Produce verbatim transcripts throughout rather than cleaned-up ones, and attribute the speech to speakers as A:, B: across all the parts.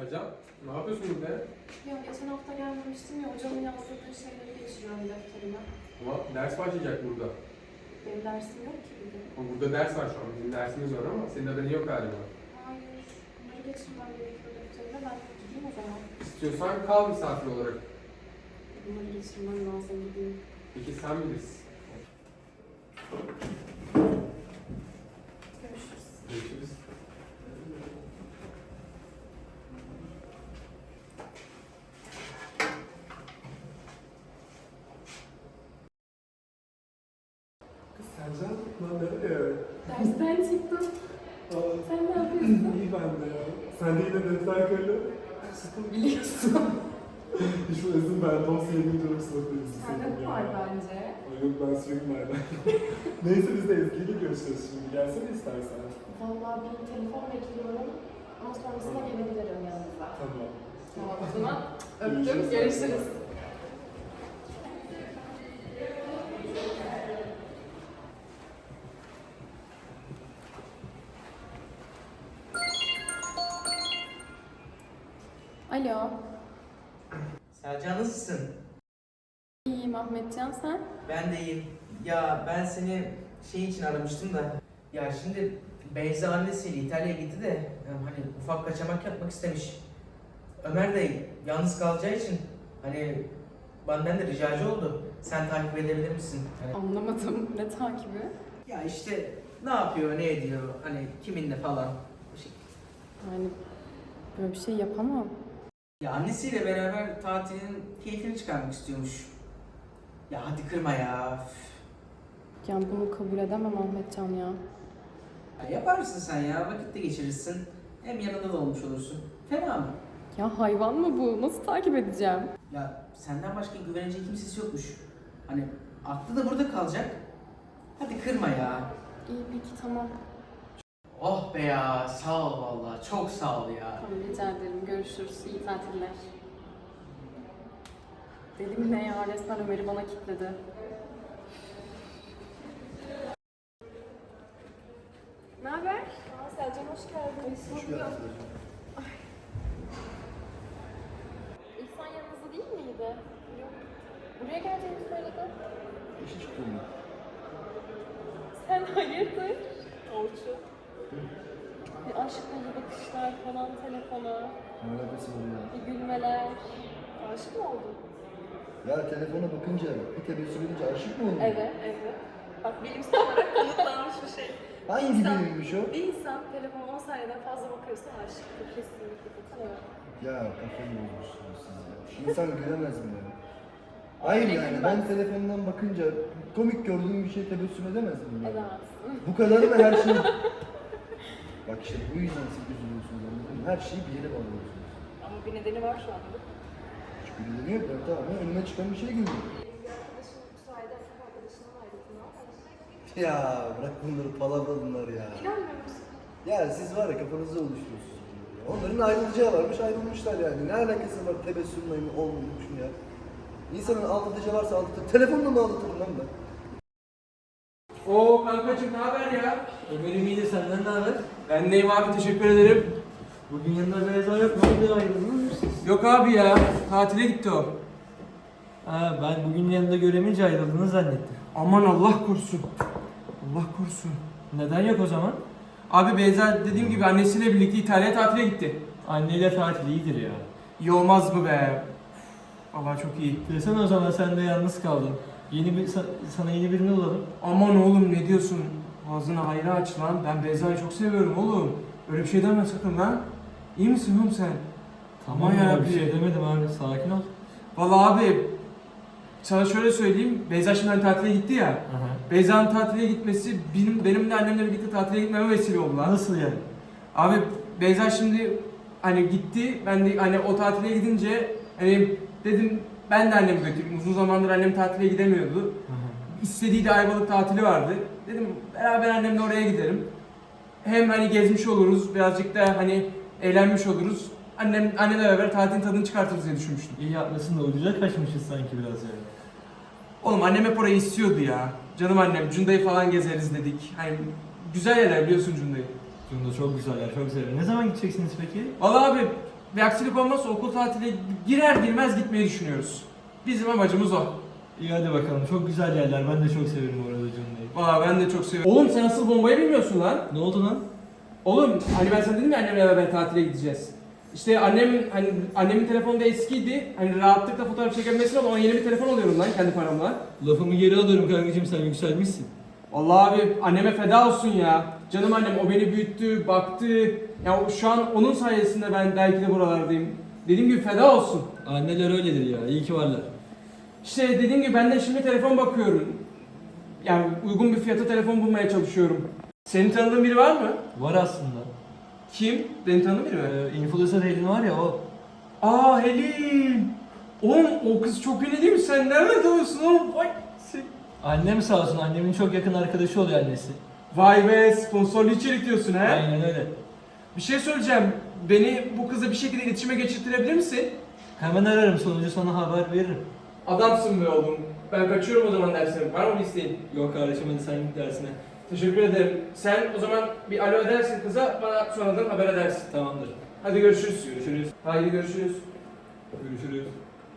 A: Sercan, ne yapıyorsun burada?
B: Ya geçen hafta gelmemiştim ya, hocamın yazdırdığı şeyleri geçiriyorum defterime.
A: Ama ders başlayacak burada.
B: Benim dersim yok ki bugün.
A: Ama burada ders var şu an, bizim dersimiz var ama senin haberin yok galiba.
B: Hayır, bunları geçirmem gerekiyor defterime. Ben gideyim o zaman.
A: İstiyorsan kal misafir olarak.
B: Bunları geçirmem lazım, gideyim.
A: Peki sen bilirsin.
B: Görüşürüz.
A: Görüşürüz.
C: Sercan, lan nereye?
B: Dersten çıktım.
C: Aa,
B: Sen ne yapıyorsun?
C: iyi ben de ya. Sen de yine defter kalem.
B: Biliyorsun.
C: Hiç bu ezin ben dosya yediğim sınıftayız.
B: Sende bu var bence.
C: Ay yok ben sürekli nereden. Neyse biz de Ezgi'yle görüşeceğiz şimdi. Gelsene istersen.
B: Vallahi bir telefon bekliyorum. Ama sonrasında gelebilirim yanınıza.
C: Tamam.
B: Tamam o zaman. Öptüm.
C: Görüşürüz.
B: Görüşürüz. Alo.
D: Sercan nasılsın?
B: İyiyim Ahmetcan, sen?
D: Ben de iyiyim. Ya ben seni şey için aramıştım da. Ya şimdi Beyza annesiyle İtalya'ya gitti de e, hani ufak kaçamak yapmak istemiş. Ömer de yalnız kalacağı için hani benden de ricacı oldu. Sen takip edebilir misin? Hani,
B: Anlamadım. Ne takibi?
D: ya işte ne yapıyor, ne ediyor, hani kiminle falan. Bu şey.
B: Yani böyle bir şey yapamam.
D: Ya annesiyle beraber tatilin keyfini çıkarmak istiyormuş. Ya hadi kırma ya. Üf.
B: Yani bunu kabul edemem Ahmetcan ya.
D: Ya yaparsın sen ya, vakit de geçirirsin. Hem yanında da olmuş olursun. Fena mı?
B: Ya hayvan mı bu? Nasıl takip edeceğim?
D: Ya senden başka güvenecek kimsesi yokmuş. Hani aklı da burada kalacak. Hadi kırma ya.
B: İyi peki tamam.
D: Oh be ya, sağ ol vallahi. Çok sağ ol ya.
B: Tamam rica ederim. Görüşürüz. İyi tatiller. Deli mi ne ya? Resmen Ömer'i bana kilitledi. Ne haber? Aa, Selcan hoş geldin. Hoş bulduk. İhsan yanınızda değil miydi? Yok. Buraya geleceğini söyledi.
E: İşe çıktım mı?
B: Sen hayırdır? Orçun. Bir aşk dolu bakışlar falan telefona.
E: Ne alakası var ya?
B: Bir gülmeler. Aşık mı oldun?
E: Ya telefona bakınca, bir tebessüm edince aşık mı oldun?
B: Evet, evet. Bak bilimsel olarak kanıtlanmış bir şey.
E: Hangi
B: İnsan-
E: bilimmiş o?
B: Bir insan telefona on saniyeden fazla bakıyorsa aşıktır. Kesinlikle katılıyorum.
E: Ya kafayı bozmuşsunuz siz ya. İnsan gülemez mi ya? Hayır
B: Öyle
E: yani
B: gülmez.
E: ben telefondan bakınca komik gördüğüm bir şey tebessüm edemez miyim? ya?
B: Edemezsin.
E: Bu kadar mı her şey? Bak işte bu yüzden siz üzülüyorsunuz anladın mı? Her şeyi bir yere bağlıyorsunuz.
B: Ama bir nedeni var şu anda.
E: Hiç gülüyor yok ya tamam ya önüme çıkan bir şey gülüyor.
B: Bir arkadaşım bu sayede erkek arkadaşından ayrıldı. Ne yapalım?
E: Ya bırak bunları palavra bunlar ya.
B: İnanmıyor musun?
E: Ya siz var ya kafanızda oluşturuyorsunuz. bunları ya. Onların ayrılacağı varmış ayrılmışlar yani. Ne alakası var tebessümle mi olmuş mu ya? İnsanın aldatıcı varsa aldatır. Telefonla mı aldatırım lan ben?
A: Oo kankacığım ne haber ya?
F: Benim iyiydi, senden ne haber?
A: Ben neyim abi, teşekkür ederim.
F: Bugün yanında Beyza yok, ne oldu, ayrıldınız mı siz?
A: Yok abi ya, tatile gitti o.
F: Ha, ben bugün yanında göremeyince ayrıldığını zannettim.
A: Aman Allah korusun. Allah korusun.
F: Neden yok o zaman?
A: Abi Beyza dediğim gibi annesiyle birlikte İtalya'ya tatile gitti.
F: Anneyle tatil iyidir ya.
A: İyi olmaz mı be? Vallahi çok iyi.
F: Desene o zaman sen de yalnız kaldın. Yeni bir, sa- sana yeni birini bulalım.
A: Aman oğlum ne diyorsun? Ağzını hayra aç lan. Ben Beyza'yı çok seviyorum oğlum. Öyle bir şey deme sakın lan. İyi misin oğlum sen?
F: Tamam
A: Aman
F: ya,
A: yarabbi.
F: bir şey demedim abi, sakin ol.
A: Vallahi abi sana şöyle söyleyeyim. Beyza şimdi hani tatile gitti ya.
F: Aha.
A: Beyza'nın tatile gitmesi benim benim de annemle birlikte tatile gitmeme vesile oldu lan.
F: Nasıl yani?
A: Abi Beyza şimdi hani gitti. Ben de hani o tatile gidince hani dedim ben de annemi götüreyim. Uzun zamandır annem tatile gidemiyordu.
F: Aha.
A: İstediği de Ayvalık tatili vardı. Dedim beraber annemle oraya gidelim. Hem hani gezmiş oluruz, birazcık da hani eğlenmiş oluruz. Annem annemle beraber tatilin tadını çıkartırız diye düşünmüştüm.
F: İyi yapmasın da ucuza kaçmışız sanki biraz yani.
A: Oğlum annem hep orayı istiyordu ya. Canım annem, Cunda'yı falan gezeriz dedik. Hani güzel yerler biliyorsun Cunda'yı.
F: Cunda çok güzel yer, çok severim. Ne zaman gideceksiniz peki?
A: Vallahi abi bir aksilik olmazsa okul tatili girer girmez gitmeyi düşünüyoruz. Bizim amacımız o.
F: İyi hadi bakalım. Çok güzel yerler. Ben de çok severim orada Cunda'yı.
A: Valla ben de çok seviyorum. Oğlum sen asıl bombayı bilmiyorsun lan.
F: Ne oldu lan?
A: Oğlum hani ben sana dedim ya annemle beraber tatile gideceğiz. İşte annem hani annemin telefonu da eskiydi. Hani rahatlıkla fotoğraf çekebilmesi ama ona yeni bir telefon alıyorum lan kendi paramla.
F: Lafımı geri alıyorum kankacığım, sen yükselmişsin.
A: Vallahi abi anneme feda olsun ya. Canım annem o beni büyüttü, baktı. Ya o- şu an onun sayesinde ben belki de buralardayım. Dediğim gibi feda olsun.
F: Anneler öyledir ya. İyi ki varlar.
A: İşte dediğim gibi ben de şimdi telefon bakıyorum. Yani uygun bir fiyata telefon bulmaya çalışıyorum. Senin tanıdığın biri var mı?
F: Var aslında.
A: Kim? Beni tanıdığın biri mi?
F: Ee, influencer Helin var ya o.
A: Aa Helin! Oğlum o kız çok ünlü değil mi? Sen nereden tanıyorsun oğlum? Vay! Sen...
F: Annem sağ olsun. Annemin çok yakın arkadaşı oluyor annesi.
A: Vay be sponsorlu içerik diyorsun he?
F: Aynen öyle.
A: Bir şey söyleyeceğim. Beni bu kızla bir şekilde iletişime geçirtirebilir misin?
F: Hemen ararım, sonucu sana haber veririm.
A: Adamsın be oğlum. Ben kaçıyorum o zaman dersine. Var mı bir isteğin?
F: Yok kardeşim, hadi sen git dersine.
A: Teşekkür ederim. Sen o zaman bir alo edersin kıza, bana sonradan haber edersin.
F: Tamamdır.
A: Hadi görüşürüz.
F: Görüşürüz.
A: Haydi görüşürüz.
F: Görüşürüz.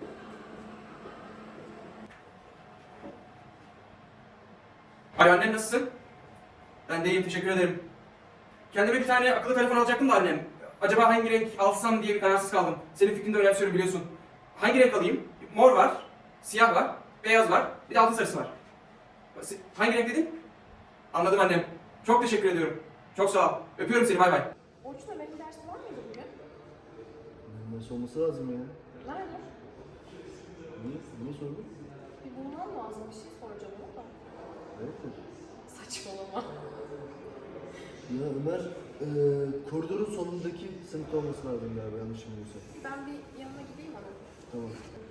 A: Alo annem nasılsın? Ben de iyiyim teşekkür ederim. Kendime bir tane akıllı telefon alacaktım da annem. Acaba hangi renk alsam diye bir kararsız kaldım. Senin fikrini de önemsiyorum biliyorsun. Hangi renk alayım? Mor var, siyah var, beyaz var, bir de altın sarısı var. Si- Hangi renk dedin? Anladım annem. Çok teşekkür ediyorum. Çok sağ ol. Öpüyorum seni bay bay.
B: Orçun Ömer'in dersi var mıydı bugün?
E: Nasıl olması lazım ya?
B: Nerede?
E: Niye, niye sordun?
B: Bir bulmam lazım. Bir şey soracağım ona da.
E: Evet de.
B: Saçmalama.
E: Ya Ömer, e, koridorun sonundaki sınıfta olması lazım galiba, yanlış bilmiyorsam.
B: Ben bir yanına gideyim ama.
E: Tamam.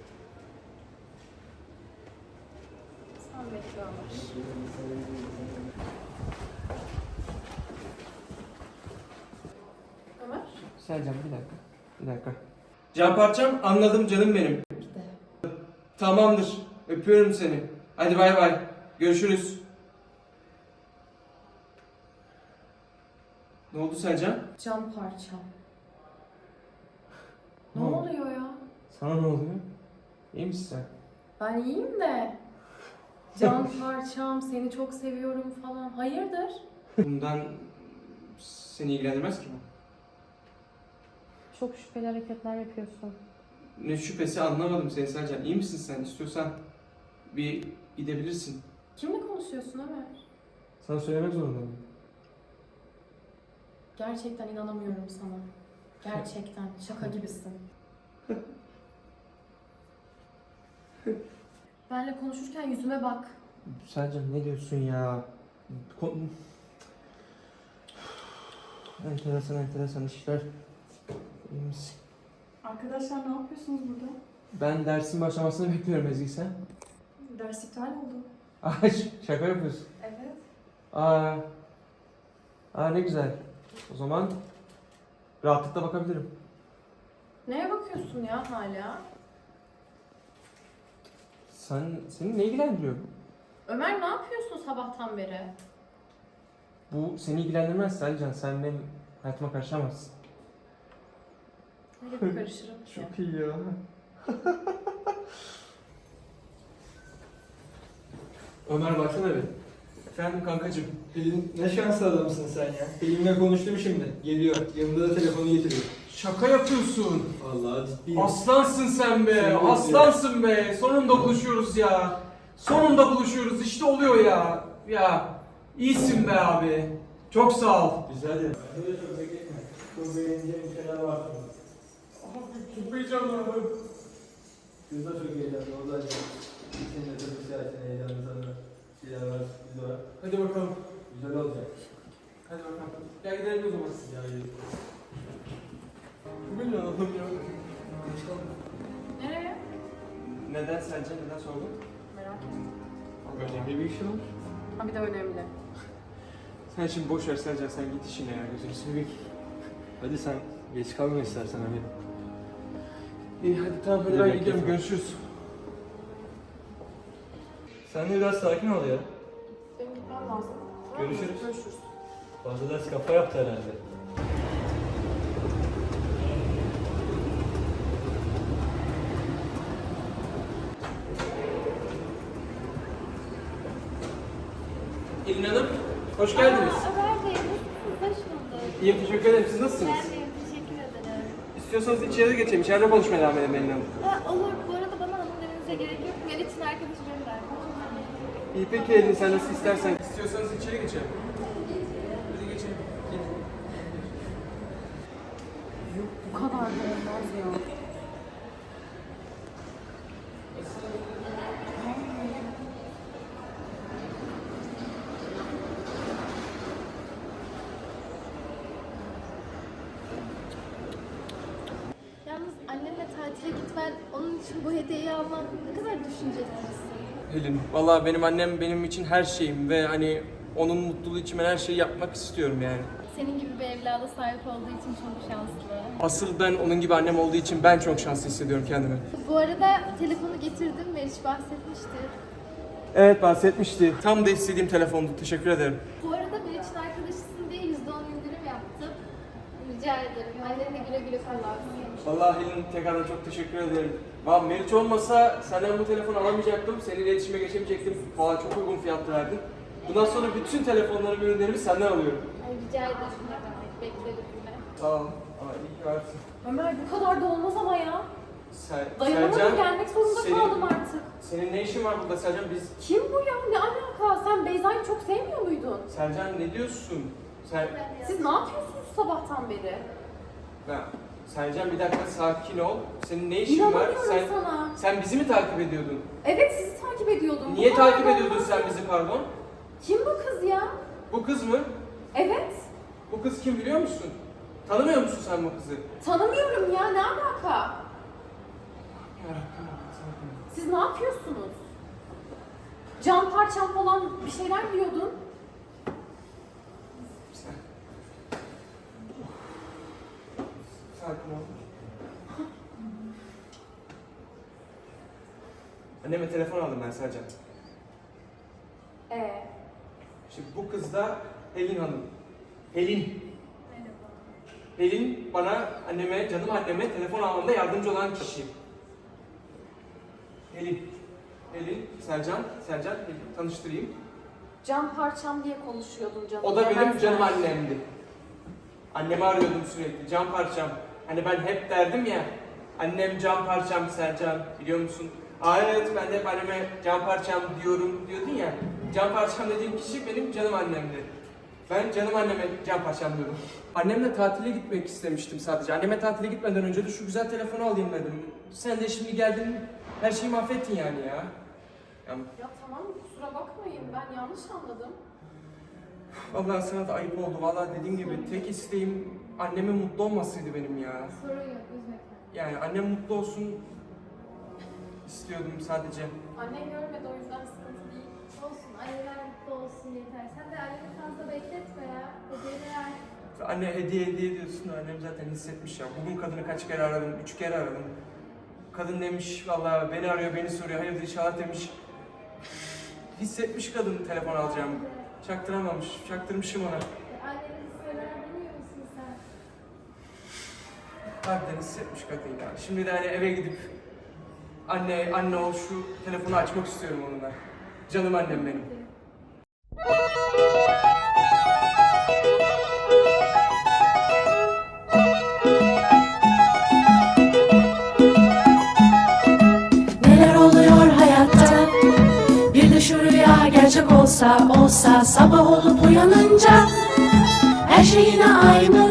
B: Sen bekle Ömer. Ömer?
A: Selcan bir dakika. Bir dakika. Can parçam anladım canım benim.
B: Gide.
A: Tamamdır. Öpüyorum seni. Hadi bay bay. Görüşürüz. Ne oldu Selcan?
B: Cam parçam. Ne
A: Ne oldu?
B: oluyor ya?
A: Sana ne oluyor? İyi misin sen?
B: Ben iyiyim de. Can parçam, seni çok seviyorum falan. Hayırdır?
A: Bundan seni ilgilendirmez ki bu.
B: Çok şüpheli hareketler yapıyorsun.
A: Ne şüphesi anlamadım seni Selcan. İyi misin sen? İstiyorsan bir gidebilirsin.
B: Kimle konuşuyorsun Ömer?
A: Sana söylemek zorundayım.
B: Gerçekten inanamıyorum sana. Gerçekten. Şaka gibisin. Benle konuşurken yüzüme bak.
A: Selcan ne diyorsun ya? Ko- enteresan enteresan işler. İyi misin?
G: Arkadaşlar ne yapıyorsunuz burada?
A: Ben dersin başlamasını bekliyorum Ezgi sen.
G: Ders iptal oldu.
A: Ay şaka yapıyorsun.
G: Evet.
A: Aa, aa ne güzel. O zaman rahatlıkla bakabilirim.
B: Neye bakıyorsun ya hala?
A: Sen seni ne ilgilendiriyor bu?
B: Ömer ne yapıyorsun sabahtan beri?
A: Bu seni ilgilendirmez Selcan. Sen benim hayatıma karışamazsın.
B: Öyle bir karışırım ki.
A: Çok iyi ya. Ömer baksana bir. Efendim kankacığım.
F: Pelin, ne şanslı adamsın sen ya. Pelin'le konuştum şimdi. Geliyor. Yanında da telefonu getiriyor.
A: Şaka yapıyorsun.
F: Vallahi ciddiyim.
A: Aslansın sen be.
F: Seni
A: Aslansın be. Sonunda buluşuyoruz ya. Sonunda buluşuyoruz. İşte oluyor ya. Ya iyisin be abi. Çok sağ ol.
F: Güzel ya. Bence de çok bekleme. Çok beğeneceğim şeyler var.
A: Abi çok heyecanlandım.
F: Kız da çok heyecanlı. O da seninle tabii siyasetine heyecanlı sana şeyler var, sürpriz var.
A: Hadi bakalım.
F: Güzel olacak.
A: Hadi bakalım. Gel gidelim o zaman.
F: Ya yürü.
A: Bugün ne anladım ya?
B: Nereye?
A: Neden sence? Neden sordun?
B: Merak ettim.
A: Önemli bir işi var.
B: Ha bir de önemli.
A: Sen şimdi boş ver Selcan. Sen git işine ya. Gözünü seveyim.
F: Hadi sen geç kalma istersen hadi.
A: İyi hadi tamam hadi
F: Hadi
A: ben
F: bekle
A: gidiyorum.
F: tamam.
A: Görüşürüz.
F: Sen de biraz sakin ol ya.
B: Benim gitmem lazım. Tamam mı?
F: Görüşürüz.
B: Görüşürüz.
F: Fazla ders kafa yaptı herhalde.
A: Pelin Hanım, hoş geldiniz.
B: Aa, Ömer Bey, nasılsınız? Hoş bulduk.
A: İyiyim, teşekkür ederim. Siz nasılsınız?
B: Ben deyim, teşekkür ederim.
A: İstiyorsanız içeri geçelim. İçeride konuşmaya devam edelim Pelin Hanım.
B: Ha, olur, bu arada bana hanım demenize gerek yok. Meriç'in arkadaşı benim de arkadaşım.
A: İyi peki Elin, sen nasıl istersen. İstiyorsanız içeri geçelim. Hadi geçelim. Gelin.
G: Bu kadar da olmaz ya.
B: Yalnız annenle tatile gitmen, onun için bu hediyeyi alman ne kadar düşüncelisin.
A: Pelin, vallahi benim annem benim için her şeyim ve hani onun mutluluğu için ben her şeyi yapmak istiyorum yani.
B: Senin gibi bir evlada sahip olduğu için çok şanslı.
A: Asıl ben onun gibi annem olduğu için ben çok şanslı hissediyorum kendimi.
B: Bu arada telefonu getirdim, Meriç bahsetmişti.
A: Evet, bahsetmişti. Tam da istediğim telefondu. Teşekkür ederim.
B: Bu arada Meriç'in arkadaşısın diye yüzde on indirim yaptım. Rica ederim. Annenle güle güle kullansın.
A: Vallahi Pelin, tekrardan çok teşekkür ederim. Vallahi Meriç olmasa senden bu telefonu alamayacaktım. Seninle iletişime geçemeyecektim. Vallahi çok uygun fiyatlı verdin. Bundan sonra bütün telefonlarımı, ürünlerimi senden alıyorum.
B: Ay, rica ederim. Ne demek? Beklerim yine.
A: Sağ ol. Aa, iyi ki varsın.
G: Ömer bu kadar da olmaz ama ya.
A: Ser,
G: Dayanamadım,
A: Sercan,
G: gelmek zorunda
A: senin-
G: kaldım artık.
A: Senin ne işin var burada Sercan? Biz...
G: Kim bu ya? Ne alaka? Sen Beyza'yı çok sevmiyor muydun?
A: Sercan ne diyorsun? Ser...
G: Siz ne yapıyorsunuz sabahtan beri?
A: Ya, Sercan bir dakika sakin ol. Senin ne işin var?
G: İnanamıyorum
A: Sen,
G: sana.
A: sen bizi mi takip ediyordun?
G: Evet, sizi takip ediyordum.
A: Niye
G: Bu kadar
A: takip
G: da
A: ediyordun
G: olmaz.
A: sen bizi pardon?
G: Kim bu kız ya?
A: Bu kız mı?
G: Evet.
A: Bu kız kim biliyor musun? Tanımıyor musun sen bu kızı?
G: Tanımıyorum ya, ne alaka?
A: Yarabbim, sakin ol.
G: Siz ne yapıyorsunuz? Can parçam falan bir şeyler diyordun.
A: Sen... Sakin ol. Anneme telefon aldım ben Sercan.
G: Ee,
A: Şimdi bu kız da Pelin Hanım. Pelin. Pelin bana, anneme, canım anneme telefon almamda yardımcı olan kişi. Pelin. Pelin, Sercan, Sercan, Pelin. Tanıştırayım.
G: can parçam diye konuşuyordun canım.
A: O da benim
G: Yemezler.
A: canım annemdi. Annemi arıyordum sürekli, can parçam. Hani ben hep derdim ya, annem can parçam Sercan, biliyor musun? Aa evet, ben de hep anneme can parçam diyorum diyordun ya. Can parçam dediğim kişi benim canım annemdi. Ben canım anneme can parçam diyordum. Annemle tatile gitmek istemiştim sadece. Anneme tatile gitmeden önce de şu güzel telefonu alayım dedim. Sen de şimdi geldin, her şeyi mahvettin yani ya. Ya
G: Ya tamam, kusura bakmayın, ben yanlış anladım.
A: vallahi sana da ayıp oldu. Vallahi dediğim gibi tek isteğim annemin mutlu olmasıydı benim ya.
B: Sorun yok, üzme kendini.
A: Yani annem mutlu olsun istiyordum sadece.
G: Annen görmedi, o yüzden sıkıntı değil.
B: Olsun, anneler mutlu olsun yeter. Sen de anneni fazla bekletme ya. Hediyeleri ver.
A: Anne hediye hediye diyorsun da annem zaten hissetmiş ya. Bugün kadını kaç kere aradım, üç kere aradım. Kadın demiş vallahi beni arıyor, beni soruyor. Hayırdır inşallah demiş. Hissetmiş kadın telefon alacağım. Çaktıramamış, çaktırmışım ona.
B: E, annenin hisseler bilmiyor musun sen?
A: Harbiden hissetmiş kadın ya. Şimdi de hani eve gidip anne, anne ol şu telefonu açmak istiyorum onunla. Canım annem benim.
H: Neler oluyor hayatta? Bir de şu rüya gerçek olsa olsa sabah olup uyanınca her şey yine aynı